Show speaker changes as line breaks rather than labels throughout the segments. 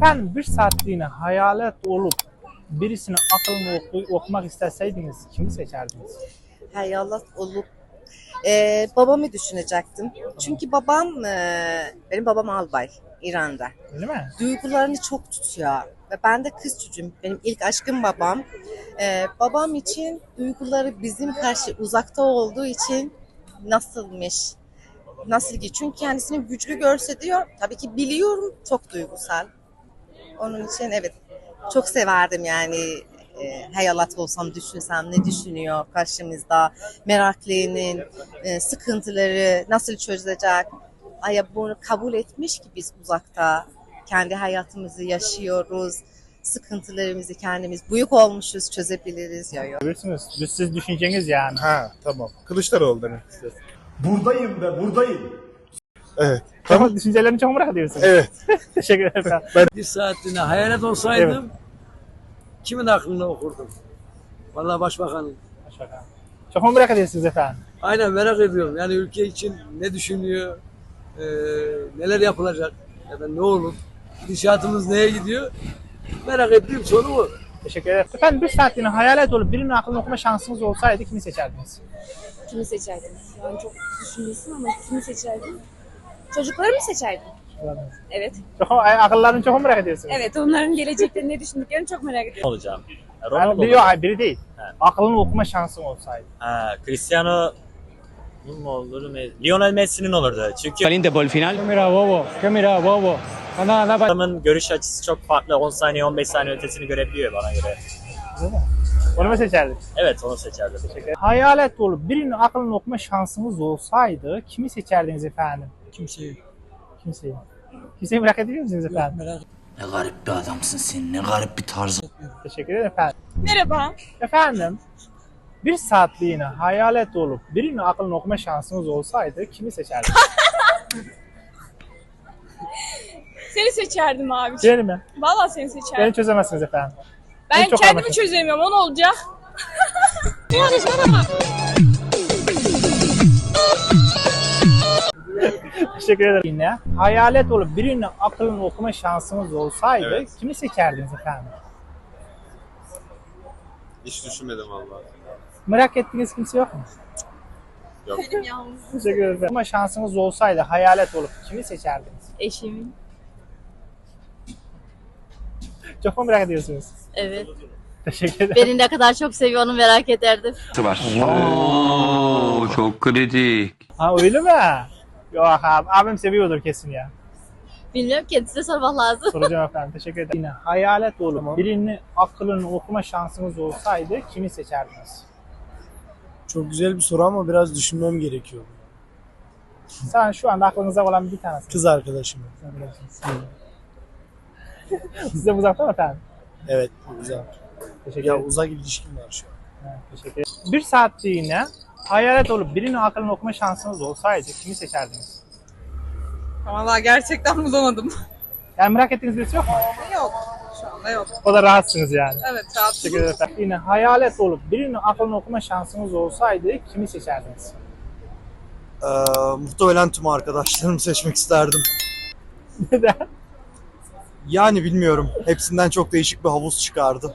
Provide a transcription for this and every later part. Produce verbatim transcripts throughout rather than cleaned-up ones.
Efendim bir saatliğine hayalet olup birisinin aklını oku- okumak isteseydiniz kimi seçerdiniz?
Hayalet olup Ee, babamı düşünecektim. Çünkü babam, e, benim babam albay İran'da.
Öyle mi?
Duygularını çok tutuyor. Ve ben de kız çocuğum. Benim ilk aşkım babam. Ee, babam için duyguları bizim karşı uzakta olduğu için nasılmış? Nasıl ki? Çünkü kendisini güçlü görse diyor. Tabii ki biliyorum çok duygusal. Onun için evet çok severdim yani. E, hayalet olsam düşünsem ne düşünüyor karşımızda, meraklının e, sıkıntıları nasıl çözülecek, ay bunu kabul etmiş ki biz uzakta kendi hayatımızı yaşıyoruz, sıkıntılarımızı kendimiz büyük olmuşuz çözebiliriz ya. Ya.
Bilirsiniz. Siz, siz düşünceniz yani.
Ha tamam. Kılıçdaroğlu demek istiyorsun.
Buradayım be, buradayım.
Evet.
Tamam. Düşüncelerini çok merak ediyorsunuz.
Evet.
Teşekkür ederim.
Bir saatliğine hayalet olsaydım kimin aklını okurdum? Vallahi başbakanın.
Başbakan. Çok mu merak ediyorsunuz efendim?
Aynen merak ediyorum. Yani ülke için ne düşünüyor? Ee, neler yapılacak? Ya da ne olur? Gidişatımız neye gidiyor? Merak ettiğim soru bu.
Teşekkür ederim. Efendim bir saatliğine hayalet olup birinin aklını okuma şansınız olsaydı kimi seçerdiniz?
Kimi seçerdin? Yani çok düşünüyorsun ama kimi seçerdin? Çocukları mı seçerdin? Evet.
Çok, akıllarını çok mu merak ediyorsunuz?
Evet, onların gelecekte ne düşündüklerini çok merak ediyorum.
olacağım.
Yani
Ronaldo
biri,
olacağım.
yok, biri değil.
He.
Aklını okuma şansın olsaydı.
Ha, Cristiano mu olur? Lionel Messi'nin olurdu. Çünkü
Caliente por el final. ¿Qué mira, bobo? ¿Qué mira, bobo? Anda, anda para.
adamın görüş açısı çok farklı. on saniye on beş saniye ötesini görebiliyor bana göre.
Değil mi? Onu mu seçerdin?
Evet, onu seçerdim.
Hayalet olup birinin aklını okuma şansınız olsaydı kimi seçerdiniz efendim?
Kimseyi.
Kimseyi. Kimseyi merak ediyor musunuz efendim?
Merak
Ne garip bir adamsın sen, ne garip bir tarzın.
Teşekkür ederim efendim.
Merhaba.
Efendim bir saatliğine hayalet olup birinin aklını okuma şansınız olsaydı kimi seçerdiniz?
Seni seçerdim abi.
Beni mi?
Vallahi seni
Beni
seçerdim.
çözemezsiniz efendim.
Ben
çok
kendimi
anlaşıldı.
çözemiyorum. O ne olacak?
Teşekkür ederim. Yine hayalet olup birinin aklını okuma şansınız olsaydı
Evet.
kimi seçerdiniz efendim?
Hiç düşünmedim vallahi.
Merak ettiğiniz kimse yok mu?
Yok.
Teşekkür ederim. Ama şansınız olsaydı hayalet olup kimi seçerdiniz?
Eşimin.
Çok mu merak ediyorsunuz?
Evet.
Teşekkür ederim.
Beni ne kadar çok seviyor onu merak ederdim.
var. Oo, çok kritik.
Ha öyle mi? Yok abi, abim seviyordur kesin ya.
Bilmiyorum, kendisine sormak lazım.
Soracağım efendim. Teşekkür ederim. Yine hayalet olup birinin aklını okuma şansınız olsaydı kimi seçerdiniz?
Çok güzel bir soru ama biraz düşünmem gerekiyor.
Sen şu anda aklınıza olan bir tanesi.
Kız arkadaşım.
Size uzakta mı efendim?
Evet, güzel.
Teşekkür
Ya
ederim.
uzak ilişkim var şu an.
Evet, teşekkür ederim. Bir saatliğine hayalet olup birinin aklını okuma şansınız olsaydı kimi seçerdiniz?
Vallahi gerçekten bulamadım.
Yani merak ettiğiniz birisi yok mu?
Yok. Şu anda yok.
O da rahatsınız yani.
Evet, rahat.
Teşekkür ederim. efendim. Yine hayalet olup birinin aklını okuma şansınız olsaydı kimi seçerdiniz?
Ee, muhtemelen tüm arkadaşlarımı seçmek isterdim.
Neden?
Yani bilmiyorum. Hepsinden çok değişik bir havuz çıkardı.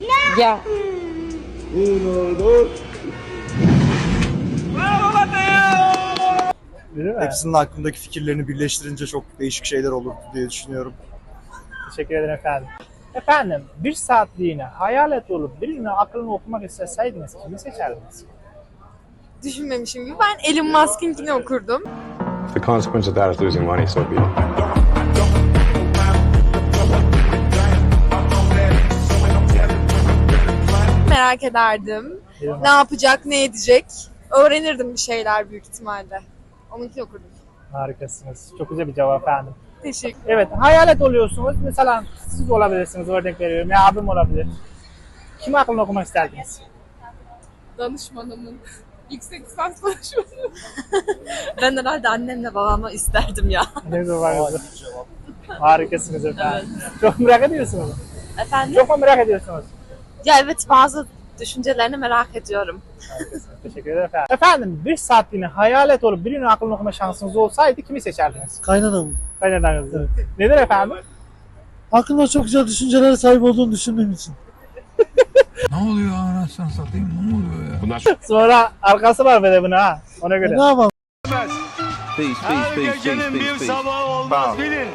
Değil mi?
Hepsinin hakkındaki fikirlerini birleştirince çok değişik şeyler olur diye düşünüyorum.
Teşekkür ederim efendim. Efendim bir saatliğine hayalet olup birinin aklını okumak isteseydiniz kimi seçerdiniz?
Düşünmemişim gibi. Ben Elon Musk'ınkini okurdum.
The consequence of that is losing money, so be it.
Merak ederdim. Ne yapacak, ne edecek. Öğrenirdim bir şeyler büyük ihtimalle. Onunkini okurdum.
Harikasınız. Çok güzel bir cevap efendim.
Teşekkür.
Evet, hayalet oluyorsunuz. Mesela siz olabilirsiniz, örnek veriyorum. Ya abim olabilir. Kimi aklını okumak isterdiniz?
Danışmanımın. Yüksek lisans danışmanım.
Ben herhalde annemle babamla isterdim ya.
Ne güzel var kızım. Harikasınız efendim. Çok merak ediyorsunuz.
Efendim?
Çok mu merak ediyorsunuz?
Ya evet, bazı düşüncelerini merak ediyorum.
Harikasınız. Teşekkür ederim efendim. Efendim bir saatliğine hayalet olup birinin aklını okuma şansınız olsaydı kimi seçerdiniz?
Kaynanam.
Kaynananızı. Neden efendim?
Hakkında çok güzel düşüncelere sahip olduğunu düşündüğüm için.
Ne oluyor anasını satayım, ne oluyor ya?
Bunlar
Sonra arkası var böyle buna ha. Ona göre.
E, ne yapalım?
Her gecenin bir sabahı olmaz bilin.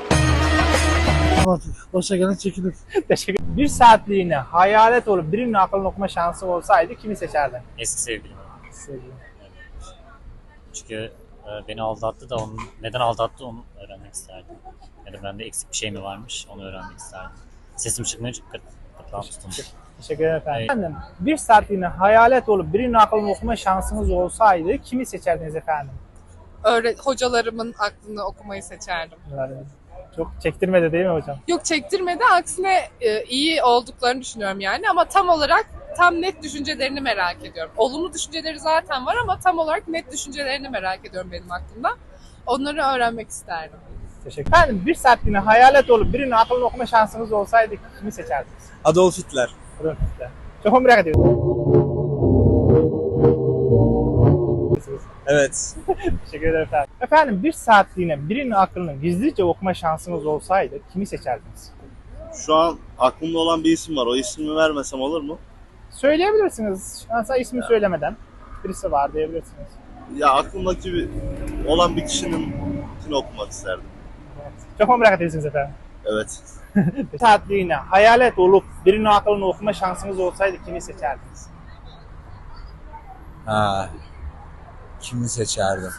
Başa gelen çekilir.
Teşekkür ederim. Bir saatliğine hayalet olup birinin aklını okuma şansı olsaydı kimi seçerdin?
Eski sevgilim.
Sevgilim.
Çünkü e, beni aldattı da onun neden aldattı onu öğrenmek isterdim. Ya da bende eksik bir şey mi varmış onu öğrenmek isterdim. Sesim çıkmıyor çünkü kıt, kıtlağım tutulmuş.
Teşekkür ederim efendim.
Evet.
Efendim, bir saatliğine hayalet olup birinin aklını okuma şansınız olsaydı kimi seçerdiniz efendim?
Öğre hocalarımın aklını okumayı seçerdim.
Yani çok çektirmedi değil mi hocam?
Yok çektirmedi, aksine e, iyi olduklarını düşünüyorum yani ama tam olarak tam net düşüncelerini merak ediyorum. Olumlu düşünceleri zaten var ama tam olarak net düşüncelerini merak ediyorum benim aklımda. Onları öğrenmek isterdim.
Teşekkür ederim. Efendim, bir saatliğine hayalet olup birinin aklını okuma şansınız olsaydı kimi seçerdiniz?
Adolf Hitler.
Buyurun size. Çok merak ediyorum.
Evet.
Teşekkür ederim efendim. Efendim bir saatliğine birinin aklını gizlice okuma şansınız olsaydı kimi seçerdiniz?
Şu an aklımda olan bir isim var. O ismini vermesem olur mu?
Söyleyebilirsiniz. Mesela ismi söylemeden birisi var diyebilirsiniz.
Ya aklımdaki bir, olan bir kişinin okumak isterdim.
Evet. Çok merak ediyorsunuz efendim.
Evet.
Bir saatliğine hayalet olup birinin aklını okuma şansınız olsaydı kimi seçerdiniz?
Ha. Kimi seçerdim?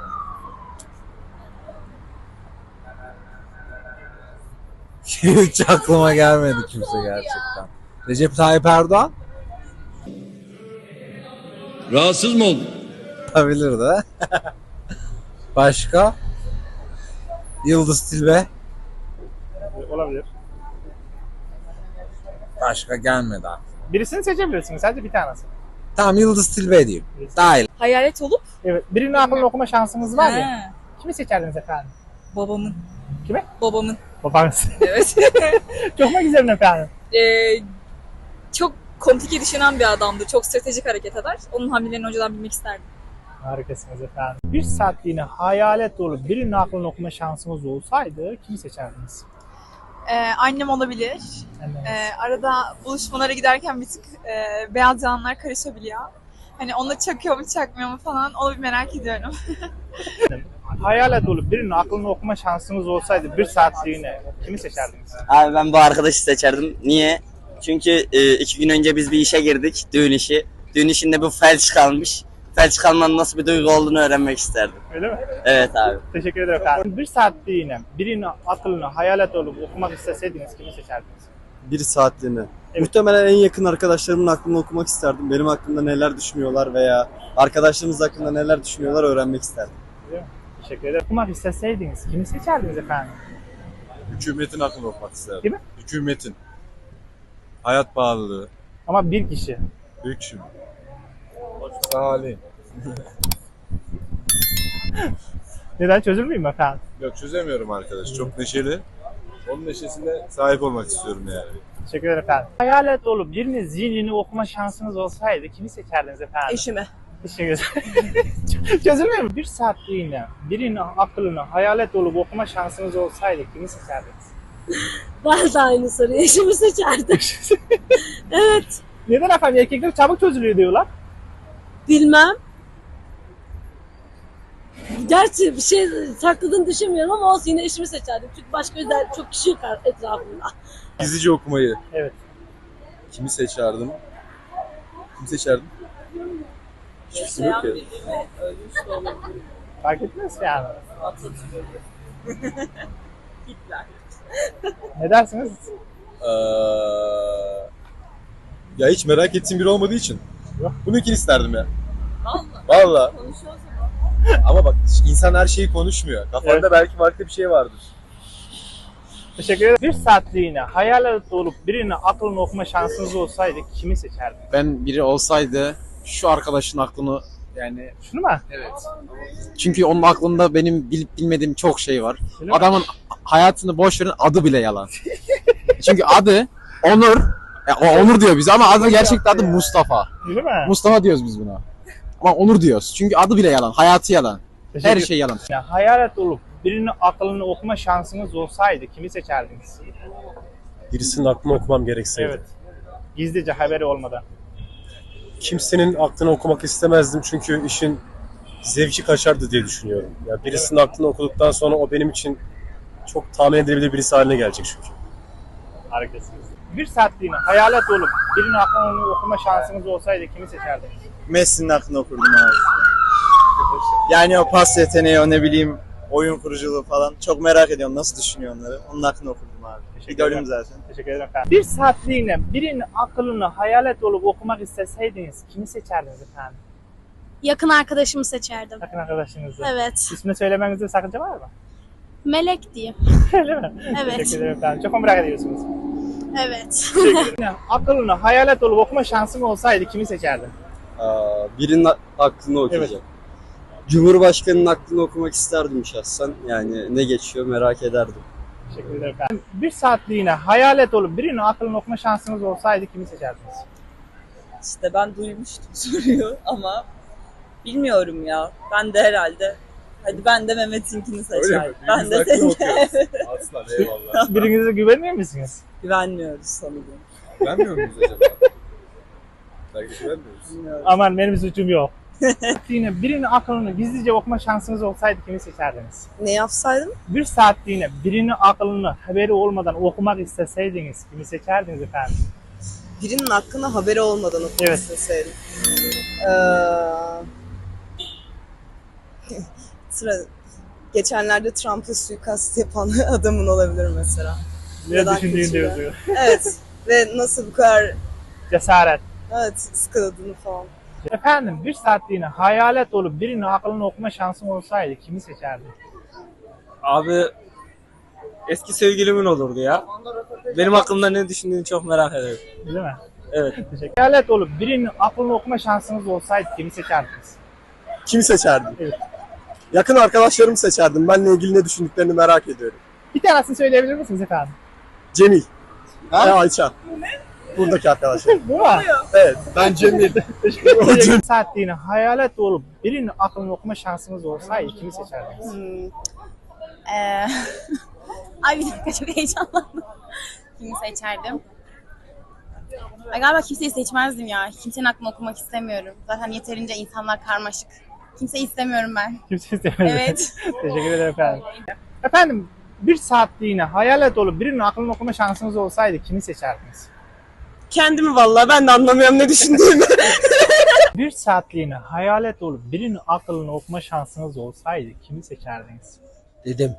Hiç aklıma gelmedi kimse gerçekten. Recep Tayyip Erdoğan?
Rahatsız mı oldun?
Olabilir de. Başka? Yıldız Tilbe?
Olabilir.
Başka gelmedi aklıma.
Birisini seçebilirsiniz. Sadece bir tanesi.
Tamam Yıldız Tilbe diyeyim. Dahil.
Hayalet olup
Evet. Birinin aklını okuma şansınız var ya.
He,
Kimi seçerdiniz efendim?
babamın.
Kime?
Babamın.
Babanız.
Evet.
Çok mu güzel efendim?
Ee, çok komplike düşünen bir adamdı. Çok stratejik hareket eder. Onun hamlelerini önceden bilmek isterdim.
Harikasınız efendim. Bir saatliğine hayalet olup birinin aklını okuma şansınız olsaydı kimi seçerdiniz?
Ee, annem olabilir.
Anneniz.
Ee, arada buluşmalara giderken bir tık e, beyaz yalanlar karışabiliyor. Hani onu çakıyor mu çakmıyor mu falan onu bir merak ediyorum.
Hayalet olup birinin aklını okuma şansınız olsaydı bir saatliğine kimi seçerdiniz?
Abi ben bu arkadaşı seçerdim. Niye? Çünkü e, iki gün önce biz bir işe girdik. Düğün işi. Düğün işinde bu felç kalmış. Felç kalmanın nasıl bir duygu olduğunu öğrenmek isterdim.
Öyle mi?
Evet abi.
Teşekkür ederim efendim. Bir saatliğine birinin aklını hayalet olup okumak isteseydiniz kimi seçerdiniz?
Bir saatliğine.
Evet.
Muhtemelen en yakın arkadaşlarımın aklını okumak isterdim. Benim hakkımda neler düşünüyorlar veya arkadaşlarımız hakkında neler düşünüyorlar öğrenmek isterdim.
Değil mi? Teşekkür ederim. Okumak isteseydiniz kimi seçerdiniz efendim?
Hükümetin aklını okumak isterdim.
Değil mi?
Hükümetin. Hayat pahalılığı.
Ama bir kişi.
Büyük şimdi. Salih.
Neden çözülmeyeyim efendim?
Yok çözemiyorum arkadaş. Çok neşeli. Onun neşesine sahip olmak istiyorum yani.
Teşekkür ederim efendim. Hayalet olup birinin zihnini okuma şansınız olsaydı kimi seçerdiniz efendim?
Eşime.
Teşekkür ederim. Çözülmüyor mu? Bir saatliğine birinin aklını hayalet olup okuma şansınız olsaydı kimi seçerdiniz?
Ben de aynı soruyu eşimi seçerdim. Evet.
Neden efendim? Erkekler çabuk çözülüyor diyorlar.
Bilmem. Gerçi bir şey sakladığını düşünmüyorum ama olsun yine eşimi seçerdim. Çünkü başka özel çok kişi yok etrafımda.
Gizlice okumayı.
Evet.
Kimi seçerdim? Kimi seçerdim? Hiçbir şey yok ya.
Fark ettiniz mi yani? Ne dersiniz?
Ee, ya hiç merak ettiğim biri olmadığı için.
Yok.
Bunu ikili isterdim ya.
Vallahi.
Valla.
Konuşuyoruz
Ama bak insan her şeyi konuşmuyor. Kafanda
Evet.
belki farklı bir şey vardır.
Teşekkür ederim. Bir saatliğine hayalet olup birinin aklını okuma şansınız olsaydı kimi seçerdiniz?
Ben biri olsaydı şu arkadaşın aklını yani
Şunu mu?
evet. Çünkü onun aklında benim bilip bilmediğim çok şey var.
Öyle mi?
Adamın hayatını boş verin adı bile yalan. Çünkü adı Onur. Ya, o Onur diyor bize ama adı gerçekten adı Mustafa.
Öyle mi?
Mustafa diyoruz biz buna. Ama Onur diyoruz. Çünkü adı bile yalan. Hayatı yalan.
Teşekkür
Her şey yalan.
Yani hayalet olup birinin aklını okuma şansınız olsaydı kimi seçerdiniz?
Birisinin aklını okumam gerekseydi.
Evet. Gizlice haberi olmadan.
Kimsenin aklını okumak istemezdim çünkü işin zevki kaçardı diye düşünüyorum. Yani birisinin aklını okuduktan sonra o benim için çok tahmin edilebilir birisi haline gelecek çünkü.
Harikasınız. Bir saatliğine hayalet olup birinin aklını okuma şansınız olsaydı kimi seçerdiniz?
Messi'nin aklını okurdum abi. Yani o pas yeteneği, o ne bileyim oyun kuruculuğu falan çok merak ediyorum nasıl düşünüyor onları. Onun aklını okurdum abi. İdolüm zaten.
Teşekkür ederim efendim. Bir saatliğine birinin aklını hayalet olup okumak isteseydiniz kimi seçerdiniz efendim?
Yakın arkadaşımı seçerdim.
Yakın arkadaşınızı.
Evet.
İsmini söylemenizde sakınca var mı?
Melek diyeyim.
Öyle mi?
Evet.
Teşekkür ederim efendim. Çok mu merak ediyorsunuz?
Evet.
Aklını hayalet olup okuma şansın olsaydı kimi seçerdin?
Aa, birinin aklını okuyacak.
Evet.
Cumhurbaşkanının aklını okumak isterdim şahsen. Yani ne geçiyor merak ederdim.
Teşekkür ederim efendim. Bir saatliğine hayalet olup birinin aklını okuma şansınız olsaydı kimi seçerdiniz?
İşte ben duymuştum soruyu ama bilmiyorum ya. Ben de herhalde. Hadi ben de Mehmet'inkini seçerim. Ben de senin.
Aslan eyvallah.
Birinize güvenmiyor musunuz?
Güvenmiyoruz sanırım.
Güvenmiyor muyuz acaba? Belki güvenmiyoruz.
Bilmiyorum.
Aman benim suçum yok. Yine birinin aklını gizlice okuma şansınız olsaydı kimi seçerdiniz?
Ne yapsaydım?
Bir saatliğine birinin aklını haberi olmadan okumak isteseydiniz kimi seçerdiniz efendim?
Birinin hakkında haberi olmadan okumak
Evet.
isteseydim. Ee, sıra, geçenlerde Trump'a suikast yapan adamın olabilir mesela.
Ne
Neden
düşündüğünü
kötü ya?
diyorsun.
Evet. Ve nasıl bu kadar
Cesaret.
evet sıkıldığını falan.
Efendim bir saatliğine hayalet olup birinin aklını okuma şansın olsaydı kimi seçerdin?
Abi eski sevgilimin olurdu ya. Benim aklımda ne düşündüğünü çok merak ederim.
Değil mi?
Evet.
Teşekkür. Hayalet olup birinin aklını okuma şansınız olsaydı kimi seçerdiniz?
Kimi seçerdim?
Evet.
Yakın arkadaşlarımı seçerdim. Benle ilgili ne düşündüklerini merak ediyorum.
Bir tanesini söyleyebilir misiniz efendim?
Cemil. Ha? Ve Ayça. Buradaki arkadaşlar.
Bu mu?
Evet. Ben Cemil.
Bir saatliğine hayalet olup birinin aklını okuma şansınız olsaydı kimi seçerdiniz?
Hmm. Ee... Ay bir dakika çok heyecanlandım. Kimi seçerdim? Ay galiba kimseyi seçmezdim ya. Kimsenin aklını okumak istemiyorum. Zaten yeterince insanlar karmaşık. Kimseyi istemiyorum ben.
Kimse istemez.
Evet.
Teşekkür ederim efendim. Efendim bir saatliğine hayalet olup birinin aklını okuma şansınız olsaydı kimi seçerdiniz?
Kendimi vallahi ben de anlamıyorum ne düşündüğümü.
Bir saatliğine hayalet olup birinin aklını okuma şansınız olsaydı kimi seçerdiniz?
Dedim.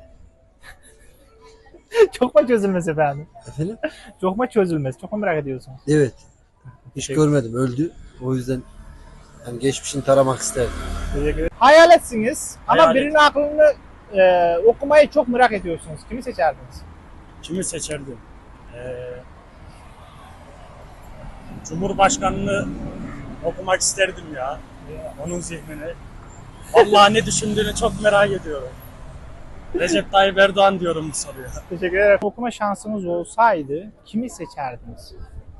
Çok mu çözülmez efendim?
Efendim?
Çok mu çözülmez? Çok mu merak ediyorsunuz?
Evet. Hiç
Teşekkür-
görmedim. Öldü. O yüzden yani geçmişini taramak isterdim.
Teşekkür ederim. Hayaletsiniz ama
Hayalet.
birinin aklını e, okumayı çok merak ediyorsunuz. Kimi seçerdiniz?
Kimi seçerdim? Ee, Cumhurbaşkanını okumak isterdim ya. Onun zihnini. Vallahi ne düşündüğünü çok merak ediyorum. Recep Tayyip Erdoğan diyorum bu soruya.
Teşekkür ederim. Okuma şansınız olsaydı kimi seçerdiniz?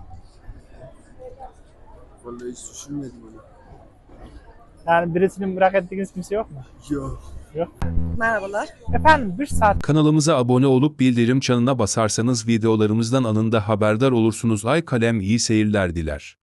Vallahi hiç düşünmedim onu.
Yani birisini merak ettiğiniz kimse yok mu?
Yok.
Yok.
Merhabalar.
Efendim bir saat
Kanalımıza abone olup bildirim çanına basarsanız videolarımızdan anında haberdar olursunuz. Ay kalem iyi seyirler diler.